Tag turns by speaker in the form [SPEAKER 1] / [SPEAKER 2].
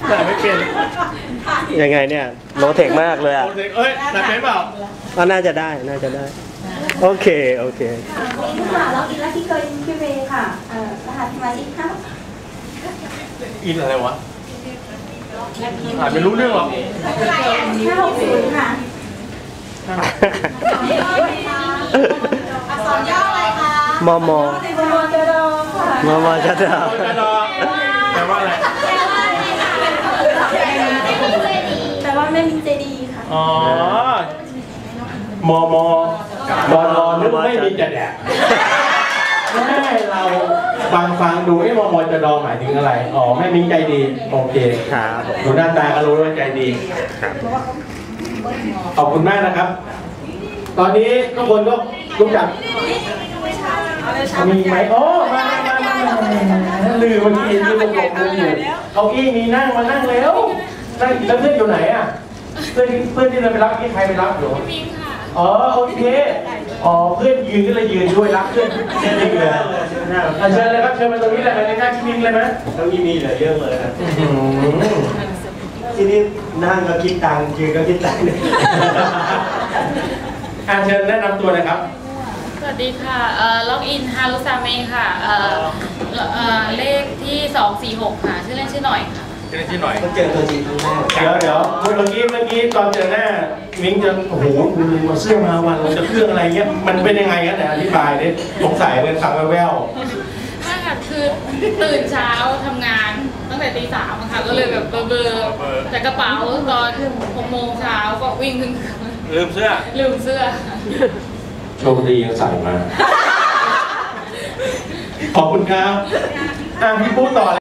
[SPEAKER 1] แต่ไม่เป็น
[SPEAKER 2] ยังไงเนี่ยโลเทคมากเลยอ่ะ
[SPEAKER 1] โลเทคเอ้ยแต่เป็นเปล่า
[SPEAKER 2] ก็น่าจะได้โอเค
[SPEAKER 3] ค่ะเราอินแล้วที่เคยพี่เวค่ะรหัสสมาชิกค่ะ
[SPEAKER 1] อินอะไรวะอ่านไม่รู้เรื่องหรอก
[SPEAKER 3] 560ค่ะอักษรย่ออะไรคะ
[SPEAKER 2] มม
[SPEAKER 3] จดค่ะ
[SPEAKER 2] มจด
[SPEAKER 1] แปลว่าอะไร
[SPEAKER 3] แปลว่าแม่มินเจดีค่ะ
[SPEAKER 1] อ๋อมมดอนนึกไม่มีจะแดกแม่เราฟังดูไอ้มมจะดอหมายถึงอะไรอ๋อแม่มิ้งใจดีโอเค
[SPEAKER 2] ครับ
[SPEAKER 1] ดูหน้าตาก็รู้ว่าใจดีขอบคุณมากนะครับ ตอนนี้ทุกคนก็รู้จักมีไหมโอ้มาลืมเมื่อกี้ที่ผมบอกลืมอยู่เอาอี้มีนั่งมานั่งแล้วนั่งแล้วเพื่อนอยู่ไหนอ่ะเพื่อนที่เราไปรับนี่ใครไปรับอยู่มิ้งค่ะอ๋อโอเคอ๋อเพื่อนยืนก็เลยยืนด้วยรักเพื่อนเช่นนี้เลยเชิญเลยครับเชิญมาตรงนี้เลยในหน้าที่มิ้งเลยไหม
[SPEAKER 2] ตรงนี้มีเหลือเยอะเลยนะที่นี่นั่งก็คิดตังค์ยืนก็คิดตังค์
[SPEAKER 1] เชิญแนะนำตัวเลยครับ
[SPEAKER 4] สวัสดีค่ะล็อกอินฮารุซาเมค่ะเลขที่246ค่ะชื่อเล่นชื่อหน่อยค่ะ
[SPEAKER 1] ชื่อหน่อย
[SPEAKER 2] ก็เจอตัวจริงครั้งแรก
[SPEAKER 1] เดี๋ยวเมื่อกี้ตอนเจอหน้ามิ้งจะโอ้โหมาเสื้อมาวันเราจะเครื่องอะไรเงี้ยมันเป็นยังไงกันเนี่ยอธิบายดิสงสัยเลยฟังแว่ว
[SPEAKER 4] ๆไม่ค่ะคือตื่นเช้าทำงานตั้งแต่ตี 3ค่ะก็เลยแบบเบลอแต่กระเป๋าตอน6 โมงเช้าก็วิ่งขึ้น
[SPEAKER 1] ลืมเสื้อโชคดียังใส่มาขอบคุณครับพี่พูดต่อ